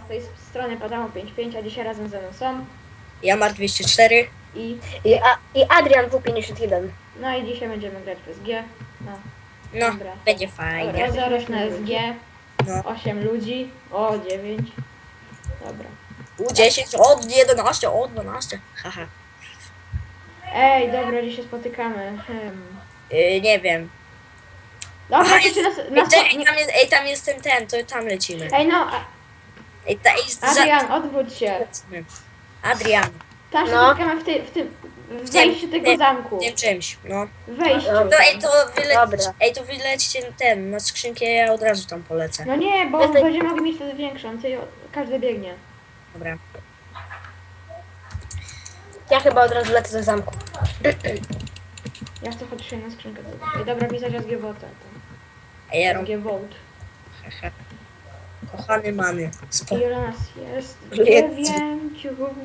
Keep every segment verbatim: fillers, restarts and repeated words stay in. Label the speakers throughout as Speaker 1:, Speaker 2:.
Speaker 1: tej strony Padamo pięć pięć, a dzisiaj razem ze mną są
Speaker 2: Jamar dwieście cztery.
Speaker 1: i...
Speaker 3: I, a, i Adrian W pięćdziesiąt jeden.
Speaker 1: No i dzisiaj będziemy grać w S G. No,
Speaker 2: No,
Speaker 1: dobra.
Speaker 2: będzie fajnie.
Speaker 1: Dobra, zaraz na S G.
Speaker 2: No.
Speaker 1: osiem ludzi. O, dziewięć. Dobra.
Speaker 2: U dziesięć, od jedenaście, od dwanaście. Haha.
Speaker 1: Ej, dobra, dzisiaj spotykamy. Hmm.
Speaker 2: Yy, nie wiem.
Speaker 1: Dobra,
Speaker 2: Aha,
Speaker 1: to
Speaker 2: jest,
Speaker 1: się nas...
Speaker 2: ej,
Speaker 1: nas...
Speaker 2: te- ej, tam jest, ej, tam jest ten, ten, to tam lecimy.
Speaker 1: Ej, no, a-
Speaker 2: Ej, ta, ej, za-
Speaker 1: Adrian, odwróć się.
Speaker 2: lecimy. Adrian,
Speaker 1: Tam się
Speaker 3: No.
Speaker 1: spotykamy w tym... w tym... w wejściu tego
Speaker 2: tym-
Speaker 1: zamku.
Speaker 2: tym czymś, no.
Speaker 1: W wejściu.
Speaker 3: Dobra.
Speaker 2: No ej, to wyleć,
Speaker 3: Dobra.
Speaker 2: ej, to wylećcie ten, na skrzynkę, ja od razu tam polecę.
Speaker 1: No nie, bo
Speaker 3: Jesteś-
Speaker 1: będziemy mogli mieć wtedy większą. Ty, każdy biegnie.
Speaker 2: Dobra.
Speaker 3: Ja chyba od razu lecę do zamku.
Speaker 1: Ja chcę chodzić na skrzynkę. I dobra, pisać S G Vote.
Speaker 2: Ej, ja
Speaker 1: S
Speaker 2: robię,
Speaker 1: G Vote.
Speaker 2: haha. Kochany many, spo...
Speaker 1: Ile nas jest?
Speaker 2: Jest.
Speaker 1: Dziewięciu.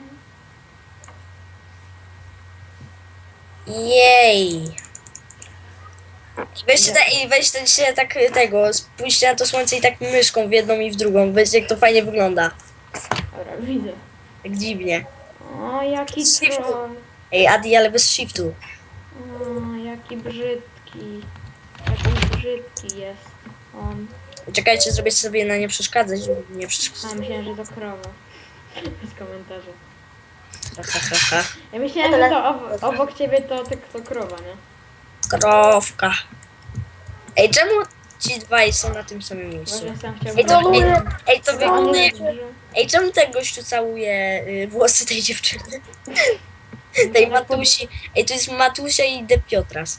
Speaker 2: Jej. Weźcie, ta, ej, weźcie się tak tego, spójrzcie na to słońce i tak myszką w jedną i w drugą. Weźcie, jak to fajnie wygląda.
Speaker 1: Dobra, widzę.
Speaker 2: Tak dziwnie.
Speaker 1: O, jaki
Speaker 2: Shiftu.
Speaker 1: troll.
Speaker 2: Ej, Adi, ale bez shiftu.
Speaker 1: O, jaki brzydki. Jaki brzydki jest on.
Speaker 2: Czekajcie, zrobię sobie na nie przeszkadzać, żeby nie
Speaker 1: A,
Speaker 2: przeszkadzać.
Speaker 1: myślałem, że to krowa. Bez komentarza.
Speaker 2: Ha, ha, ha, ha.
Speaker 1: Ja myślałem, że to ob obok ciebie to, to, to krowa, nie?
Speaker 2: Krowka. Ej, czemu ci dwaj są na tym samym miejscu?
Speaker 1: Właśnie sam chciał
Speaker 2: Ej, to, ej,
Speaker 1: powiedzieć.
Speaker 2: ej, to
Speaker 1: Chyba on
Speaker 2: wygląda jak...
Speaker 1: jest duży.
Speaker 2: Ej, czemu ten gościu całuje y, włosy tej dziewczyny? Tej Matusi. Ej, to jest Matusia i De Piotras.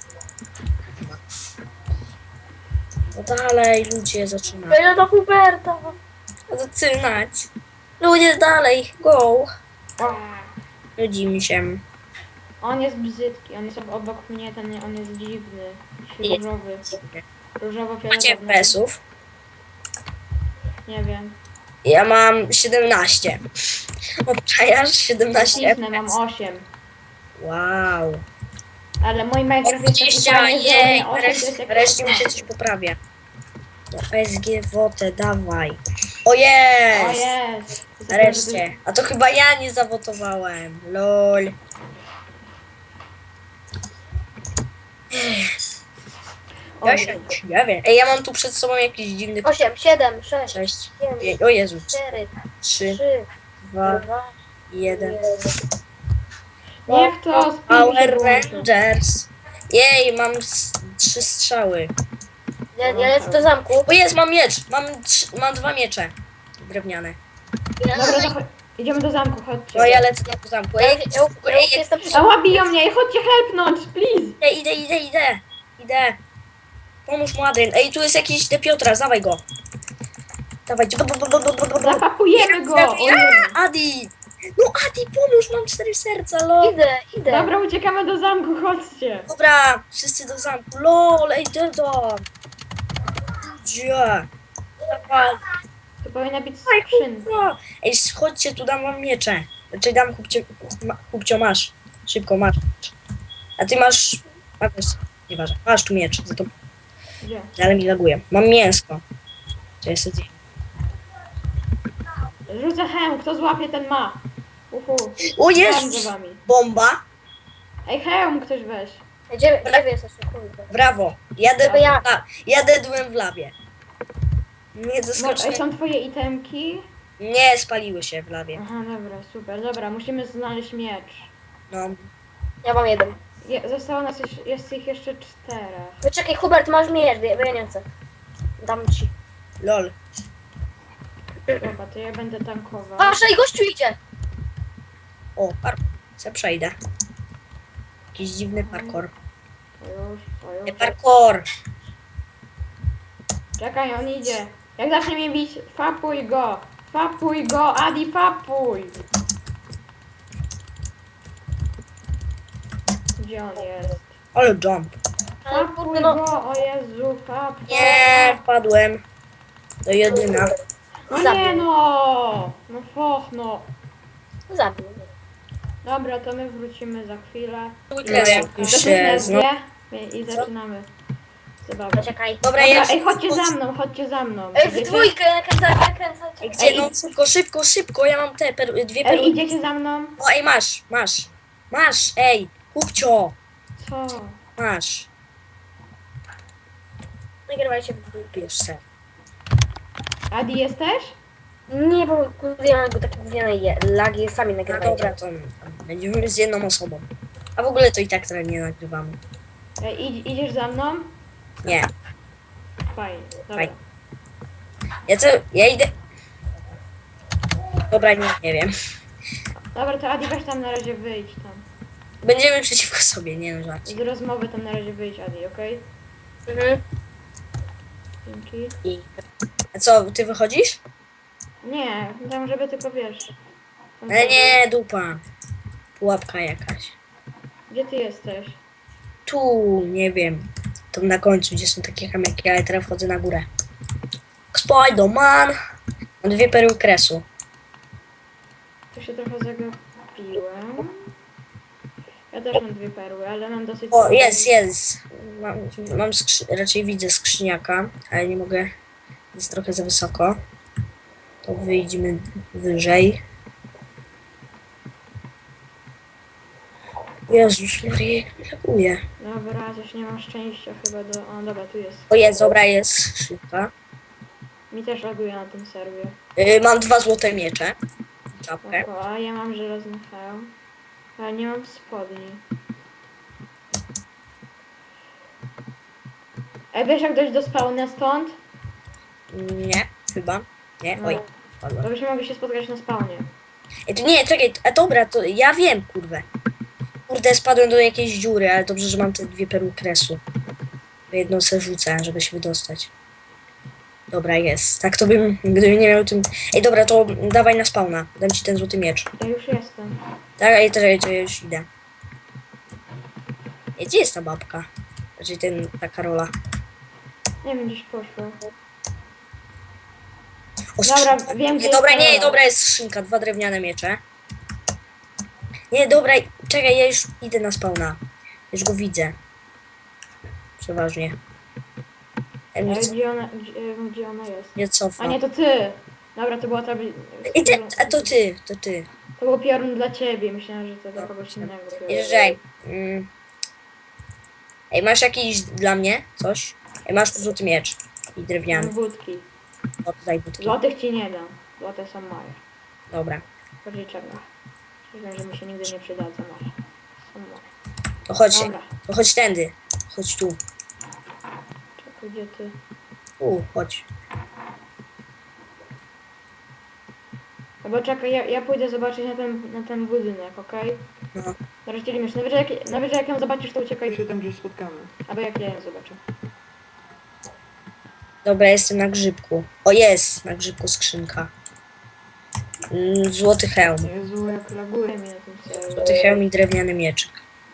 Speaker 2: No dalej, ludzie, zaczynamy.
Speaker 3: Będę do Huberta.
Speaker 2: Zaczynać. Ludzie, dalej, go.
Speaker 1: A,
Speaker 2: Nudzimy się.
Speaker 1: on jest brzydki, on jest ob- obok mnie, ten, on jest dziwny.
Speaker 2: Jest.
Speaker 1: Różowy.
Speaker 2: Macie
Speaker 1: Różowo-fioletowy.
Speaker 2: F P S-ów?
Speaker 1: Nie wiem.
Speaker 2: Ja mam siedemnaście. Obczajasz? siedemnaście
Speaker 1: Cisnę, mam
Speaker 2: F P S.
Speaker 1: osiem.
Speaker 2: Wow.
Speaker 1: Ale mój Minecraft jest taki
Speaker 2: dwadzieścia,
Speaker 1: fajny, że
Speaker 2: jej,
Speaker 1: on osiem to jest
Speaker 2: wreszcie,
Speaker 1: jak
Speaker 2: wreszcie mi się coś poprawia. To S G Wotę, dawaj. O
Speaker 1: O
Speaker 2: jest!
Speaker 1: jest!
Speaker 2: Nareszcie. A to chyba ja nie zawotowałem. Lol.
Speaker 1: O,
Speaker 2: Ja się nie wiem. Ej, ja mam tu przed sobą jakiś dziwny...
Speaker 3: osiem, siedem, sześć,
Speaker 2: Sześć,
Speaker 3: pięć,
Speaker 2: pięć, o Jezu.
Speaker 3: cztery,
Speaker 2: Trzy,
Speaker 3: trzy,
Speaker 2: dwa,
Speaker 3: dwa,
Speaker 2: jeden.
Speaker 3: jeden.
Speaker 1: Niech to spin się
Speaker 2: Power
Speaker 1: włączy.
Speaker 2: Rangers. Jej, mam s- trzy strzały.
Speaker 3: Ja, ja lecę do zamku.
Speaker 2: O jest, mam miecz. Mam, trz- mam dwa miecze. Drewniane.
Speaker 1: Dobra, to cho- idziemy do zamku, chodźcie.
Speaker 2: No ja lecę do zamku.
Speaker 3: Ja,
Speaker 2: Ej,
Speaker 3: ja, ja,
Speaker 2: ej,
Speaker 3: już jestem przy...
Speaker 1: Ała, biją mnie, ej, chodźcie helpnąć, please!
Speaker 2: idę, idę, idę, idę. Idę. Pomóż mu, Adrian. Ej, tu jest jakiś De Piotras, dawaj go. Dawajcie.
Speaker 1: Zapakujemy go! O Jezu.
Speaker 2: Adi! No Adi, pomóż, mam cztery serca, lol.
Speaker 3: Idę, idę.
Speaker 1: Dobra, uciekamy do zamku, chodźcie.
Speaker 2: Dobra, wszyscy do zamku. Lol, ej, do. Gdzie? Dawaj.
Speaker 1: To powinna być
Speaker 2: Ej,
Speaker 1: skrzynka.
Speaker 2: kurwa. Ej, chodźcie, tu dam wam miecze. Znaczy dam kupcio, ma, kupcio masz. Szybko masz. A ty masz... A wiesz, nieważne. Masz tu miecz, za to,
Speaker 1: Gdzie?
Speaker 2: ale mi laguje. Mam mięsko. To jest...
Speaker 1: Rzucę hełm, kto złapie, ten ma. Uhu.
Speaker 2: O
Speaker 1: Tam
Speaker 2: Jezus!
Speaker 1: za wami.
Speaker 2: Bomba.
Speaker 1: Ej, hełm ktoś weź.
Speaker 3: Gdzie, gdzie wy jesteście, kurde?
Speaker 2: Brawo. Jadę,
Speaker 3: To ja.
Speaker 2: ja. Jadę dłem w lawie. Nie
Speaker 1: No, ej,
Speaker 2: zaskoczę.
Speaker 1: są twoje itemki?
Speaker 2: Nie, spaliły się w lawie.
Speaker 1: Aha, dobra, super. Dobra, musimy znaleźć miecz.
Speaker 2: No.
Speaker 3: Ja mam jeden.
Speaker 1: Je, zostało nas jeszcze, jest ich jeszcze czterech.
Speaker 3: Wyczekaj, Hubert, masz miecz, bo ja bo ja nie chcę. Dam ci.
Speaker 2: Lol.
Speaker 1: Dobra, to ja będę tankował.
Speaker 3: Wasza i gościu idzie!
Speaker 2: O, parkour. Se przejdę. Jakiś dziwny parkour.
Speaker 1: To już, to
Speaker 2: Nie
Speaker 1: już.
Speaker 2: parkour.
Speaker 1: Czekaj, on idzie. Jak zacznie mnie bić, fapuj go! Fapuj go, Adi, fapuj! Gdzie on jest?
Speaker 2: Ale jump.
Speaker 3: Ale
Speaker 1: Fapuj
Speaker 3: kurde, no.
Speaker 1: go, o Jezu, fapuj!
Speaker 2: Nie, wpadłem. Do jedyna.
Speaker 1: No
Speaker 3: Zabił.
Speaker 1: nie no! No foch, no.
Speaker 3: Zabił mnie.
Speaker 1: Dobra, to my wrócimy za chwilę.
Speaker 2: Już
Speaker 1: Jesteśmy
Speaker 2: się
Speaker 1: na
Speaker 2: znowu.
Speaker 1: dwie i zaczynamy. Zabawa.
Speaker 3: Poczekaj.
Speaker 2: Dobra,
Speaker 1: Dobra,
Speaker 2: ja...
Speaker 1: ej, chodźcie za mną, chodźcie za mną.
Speaker 3: Ej, w
Speaker 1: Idziecie?
Speaker 3: dwójkę, nakręcaj, nakręcaj.
Speaker 2: Ej,
Speaker 3: czekaj.
Speaker 2: gdzie? No szybko, szybko, szybko, ja mam te per... dwie perły.
Speaker 1: Ej, idziecie za mną?
Speaker 2: No ej, masz, masz. Masz, ej, kupcio.
Speaker 1: Co?
Speaker 2: Masz.
Speaker 3: Nagrywajcie w dwójkę.
Speaker 2: Bierz se.
Speaker 1: Adi jesteś?
Speaker 3: Nie, bo ja go tak mówię, je, lagi sami
Speaker 2: No
Speaker 3: nagrywajcie.
Speaker 2: dobra, to tam będziemy z jedną osobą. A w ogóle to i tak trochę nie nagrywamy.
Speaker 1: Ej, idź, idziesz za mną?
Speaker 2: Nie,
Speaker 1: Fajnie, dobra.
Speaker 2: Fajnie. ja co, ja idę... Dobra, nie, nie wiem.
Speaker 1: Dobra, to Adi weź tam na razie wyjdź tam.
Speaker 2: Będziemy przeciwko sobie, nie no żarcie.
Speaker 1: Z rozmowy tam na razie wyjdź, Adi, okej?
Speaker 3: Mhm.
Speaker 1: Dzięki.
Speaker 2: I... A co, ty wychodzisz?
Speaker 1: Nie, tam żeby tylko wiesz. Tam
Speaker 2: Ale
Speaker 1: sobie-
Speaker 2: nie, dupa. Pułapka jakaś.
Speaker 1: Gdzie ty jesteś?
Speaker 2: Tu, nie wiem. Tam na końcu, gdzie są takie kamyki, ale teraz wchodzę na górę. Spider-Man! Mam dwie perły kresu.
Speaker 1: Tu się trochę zagapiłem. Ja też mam dwie perły, ale mam dosyć...
Speaker 2: O, jest, jest. Mam, mam skrzy... raczej widzę skrzyniaka, ale nie mogę. Jest trochę za wysoko. To wyjdźmy wyżej. Jezus Maria, jak mi laguje.
Speaker 1: Dobra, też nie mam szczęścia chyba do... O, dobra, tu jest.
Speaker 2: O jest, dobra, jest szybka.
Speaker 1: Mi też laguje na tym serwie.
Speaker 2: Yy, mam dwa złote miecze. Czapkę.
Speaker 1: Oko, a ja mam żelazny hełm. Ale nie mam spodni. Ej, wiesz jak dojść do spawna stąd?
Speaker 2: Nie, chyba. Nie, oj. Spadła.
Speaker 1: To byśmy mogli się spotkać na spawnie.
Speaker 2: Ej, to nie, czekaj, a dobra, to ja wiem, kurwę. Kurde, spadłem do jakiejś dziury, ale dobrze, że mam te dwie perły kresu. Jedną se rzucę, żeby się wydostać. Dobra, jest. Tak to bym, gdybym nie miał tym... Ej, dobra, to dawaj na spawna. Dam ci ten złoty miecz.
Speaker 1: Ja już jestem.
Speaker 2: Tak, ej, to, to ja już idę. Ej, gdzie jest ta babka? Znaczy ten, ta Karola.
Speaker 1: Nie wiem, gdzieś poszło.
Speaker 2: O,
Speaker 1: Dobra,
Speaker 2: skrzynka.
Speaker 1: wiem, gdzie
Speaker 2: Nie, dobra,
Speaker 1: jest
Speaker 2: nie,
Speaker 1: Karola.
Speaker 2: dobra, jest skrzynka, dwa drewniane miecze. Nie, dobra, czekaj, ja już idę na spawna. Już go widzę. Przeważnie. Ja
Speaker 1: Ale
Speaker 2: mnie, co-
Speaker 1: gdzie ona, gdzie, e, gdzie ona jest?
Speaker 2: mnie cofa.
Speaker 1: A nie, to ty! Dobra, to była ta...
Speaker 2: I ty, a to ty, to ty.
Speaker 1: To był piorun dla ciebie, myślałem, że to dla kogoś innego.
Speaker 2: Jeżdżaj. Mm. Ej, masz jakiś dla mnie coś? Ej, masz tu złoty miecz. I drewniany.
Speaker 1: Mam budki.
Speaker 2: O, tutaj budki.
Speaker 1: Złotych ci nie dam. Złote są moje.
Speaker 2: Dobra.
Speaker 1: Bardziej czarne. Wiem, że mi się nigdy nie przydadzą, ale są moje.
Speaker 2: To chodź,
Speaker 1: Dobra.
Speaker 2: to chodź tędy. Chodź tu.
Speaker 1: Czekaj, gdzie ty?
Speaker 2: Tu, chodź.
Speaker 1: Albo czekaj, ja, ja pójdę zobaczyć na ten, na ten budynek, okej?
Speaker 2: No.
Speaker 1: Zaraz dzielimy się. Najwyżej jak, najwyżej jak ją zobaczysz, to uciekaj.
Speaker 4: się tam gdzieś spotkamy.
Speaker 1: Albo jak ja ją zobaczę.
Speaker 2: Dobra, jestem na grzybku. O, jest! Na grzybku skrzynka. Mm, Złoty hełm.
Speaker 1: Jezu, jak laguje mi na tym serwerze.
Speaker 2: Złoty hełm i drewniany mieczyk.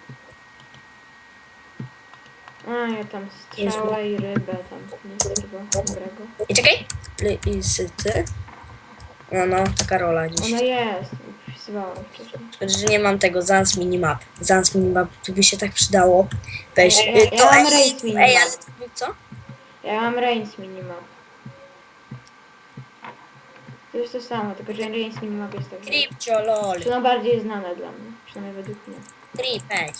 Speaker 1: A, ja tam strzała i rybę tam. Nic takiego dobrego.
Speaker 2: I czekaj. Lisyty. No, no, taka rola dziś.
Speaker 1: Ona jest. Wpisywałam wcześniej.
Speaker 2: Szkoda, że nie mam tego Zans Minimap. Zans Minimap, to by się tak przydało. Weź.
Speaker 1: Ja- ja-
Speaker 2: y, to,
Speaker 1: ja mam
Speaker 2: ej,
Speaker 1: rejs Minimap.
Speaker 2: ej, ale to, co?
Speaker 1: Ja mam Reigns minimap. To jest to samo, tylko że Reigns minimap jest tak.
Speaker 2: Kripcio, lol.
Speaker 1: Czy no bardziej znane dla mnie, przynajmniej według mnie.
Speaker 2: Kripeć.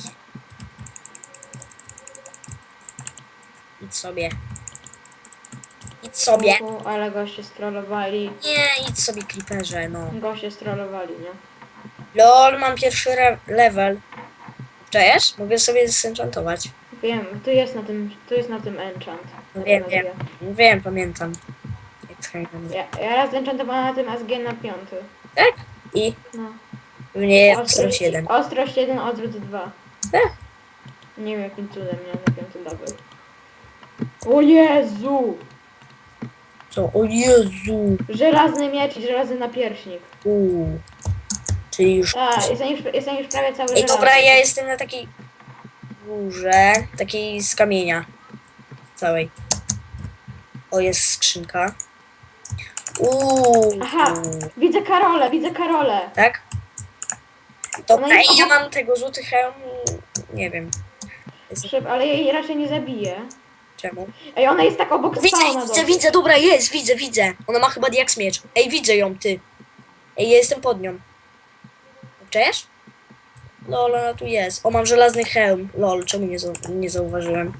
Speaker 2: Idź sobie. Idź sobie.
Speaker 1: Uhu, ale goście strollowali.
Speaker 2: Nie, idź sobie, creeperze, no.
Speaker 1: Goście strollowali, nie?
Speaker 2: Lol, mam pierwszy re- level. Czujesz? Mogę sobie zenchantować.
Speaker 1: Wiem, tu jest na tym, tu jest na tym enchant.
Speaker 2: No
Speaker 1: Na
Speaker 2: wiem,
Speaker 1: tym
Speaker 2: wiem.
Speaker 1: A G.
Speaker 2: Wiem, pamiętam. Jak skakałem.
Speaker 1: Ja, ja raz enchantowałam na tym A S G na piąty.
Speaker 2: Tak? I
Speaker 1: No.
Speaker 2: mnie ostrość jeden.
Speaker 1: Ostrość jeden, odwrót dwa.
Speaker 2: Eh.
Speaker 1: Nie wiem jakim cudem miałem na piąty level. O Jezu!
Speaker 2: Co? O Jezu!
Speaker 1: Żelazny miecz i żelazny napierśnik.
Speaker 2: Uuu. Czyli już...
Speaker 1: Tak, jestem już, jestem już prawie cały
Speaker 2: Ej,
Speaker 1: żelazny.
Speaker 2: dobra, ja jestem na takiej górze, takiej z kamienia całej. O, jest skrzynka. Uuu.
Speaker 1: Aha. Widzę Karolę, widzę Karolę.
Speaker 2: Tak? Dobra,
Speaker 1: Ona
Speaker 2: ej,
Speaker 1: jest-
Speaker 2: ja mam tego złoty hełm, nie wiem. Jest...
Speaker 1: Szyb, ale jej raczej nie zabije.
Speaker 2: Czemu?
Speaker 1: Ej, ona jest tak obok
Speaker 2: Widzę,
Speaker 1: spawna.
Speaker 2: widzę,
Speaker 1: dosyć.
Speaker 2: widzę, dobra, jest, widzę, widzę. Ona ma chyba diaks miecz. Ej, widzę ją, ty. Ej, ja jestem pod nią. Czujesz? Lol, ona tu jest. O, mam żelazny hełm. Lol, czemu nie, zau nie zauważyłem?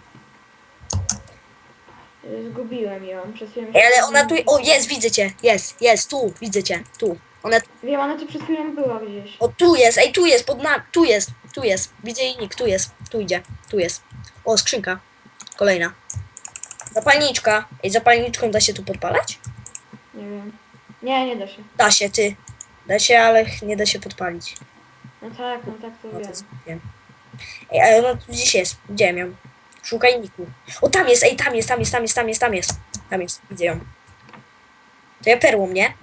Speaker 1: Y, Zgubiłem ją przez chwilę.
Speaker 2: Ej, ale ona tu... O, jest, widzę cię. Jest, jest, tu, widzę cię. Tu. Ona...
Speaker 1: Wiem, ona tu przed chwilą była gdzieś.
Speaker 2: O, tu jest, ej, tu jest, pod nami. Tu jest, tu jest. Widzę jej nick, tu jest. Tu idzie, tu jest. O, skrzynka. Kolejna. Zapalniczka. Ej, zapalniczką da się tu podpalać?
Speaker 1: Nie wiem. Nie, nie da się.
Speaker 2: Da się, ty. Da się, ale nie da się podpalić.
Speaker 1: No tak, no tak to
Speaker 2: No
Speaker 1: wiem.
Speaker 2: to wiem. Ej, ale ona tu gdzieś jest. Widziałem ją. Szukaj niku. O, tam jest, ej, tam jest, tam jest, tam jest, tam jest, tam jest. Tam jest, widzę ją. To ja perłą, nie?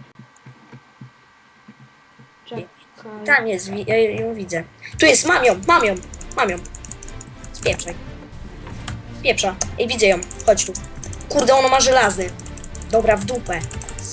Speaker 1: Czekaj.
Speaker 2: Tam jest, wi- ja ją widzę. Tu jest, mam ją, mam ją, mam ją. Spieprzaj. Spieprza. Ej, widzę ją. Chodź tu. Kurde, ona ma żelazny. Dobra, w dupę.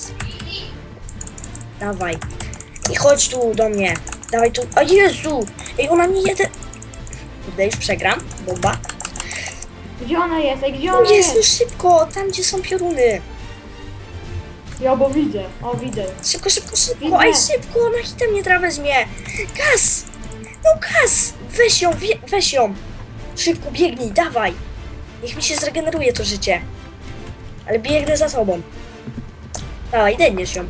Speaker 2: Dawaj. I chodź tu do mnie. Dawaj tu. O Jezu! Ej, ona mi jeden... Kurde, już przegram. Bomba.
Speaker 1: Gdzie ona jest? Ej, gdzie
Speaker 2: O
Speaker 1: ona
Speaker 2: Jezu,
Speaker 1: jest?
Speaker 2: szybko! Tam, gdzie są pioruny.
Speaker 1: Ja, bo widzę. O, widzę.
Speaker 2: Szybko, szybko, szybko.
Speaker 1: Widzę.
Speaker 2: Ej, szybko! Ona hitem nie trawę mnie. Gaz! No gaz! Weź ją, wie- weź ją. Szybko, biegnij, dawaj. Niech mi się zregeneruje to życie. Ale biegnę za tobą. Dawaj, dedniesz ją.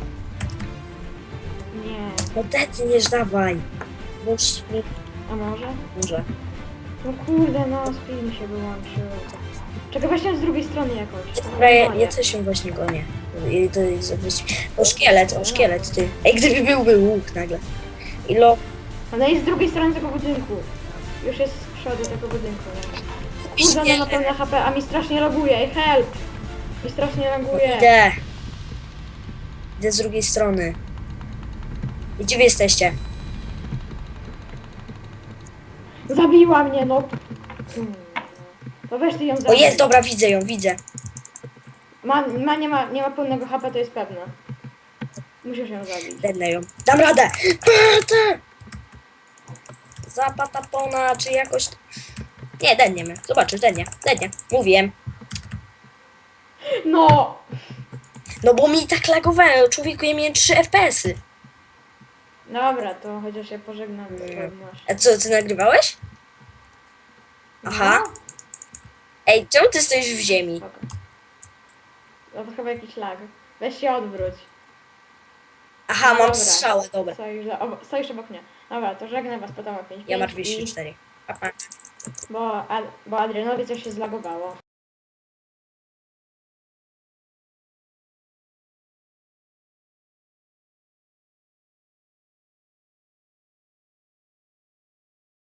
Speaker 1: Nie.
Speaker 2: No dedniesz, dawaj. Bądź
Speaker 1: A może?
Speaker 2: może.
Speaker 1: No kurde, no, speed mi się wyłączył. Czekaj, weź ją z drugiej strony jakoś.
Speaker 2: Dobra, ja, ja też ją właśnie gonię. I to jest jakiś... O szkielet, o szkielet, ty. Ej, gdyby byłby łuk nagle. I lo...
Speaker 1: Ona jest z drugiej strony tego budynku. Już jest z przodu tego budynku, nie? Kurde, ona ma pełne H P, a mi strasznie laguje. Ej, help! Mi strasznie laguje.
Speaker 2: Idę. Idę z drugiej strony. I gdzie wy jesteście?
Speaker 1: Zabiła mnie, no. Hmm. To weź ty ją
Speaker 2: O
Speaker 1: zabij.
Speaker 2: jest, dobra, widzę ją, widzę.
Speaker 1: Ma, ma, nie, ma, nie ma pełnego H P, to jest pewne. Musisz ją zabić.
Speaker 2: Dednę ją. Dam radę! Patę! Zapatapona, czy jakoś... Nie, dedniemy. Zobaczysz, dednie, dednie. Mówiłem.
Speaker 1: No!
Speaker 2: No bo mi tak lagowało, człowieku, ja miałem trzy F P S y.
Speaker 1: Dobra, to chociaż się pożegnam.
Speaker 2: Nie.
Speaker 1: bo masz.
Speaker 2: A co, ty nagrywałeś? Aha.
Speaker 1: No,
Speaker 2: Ej, czemu ty stoisz w ziemi?
Speaker 1: spoko. No to chyba jakiś lag. Weź się odwróć.
Speaker 2: Aha,
Speaker 1: No
Speaker 2: mam
Speaker 1: dobra.
Speaker 2: strzałę, dobra.
Speaker 1: Stoisz, za, obo, stoisz obok mnie. Dobra, to żegnam was, potem o pięć.
Speaker 2: Ja mam
Speaker 1: pięć
Speaker 2: dwieście
Speaker 1: i-
Speaker 2: cztery. Pa, pa.
Speaker 1: Bo, Ad, bo Adrianowi coś się zlagowało.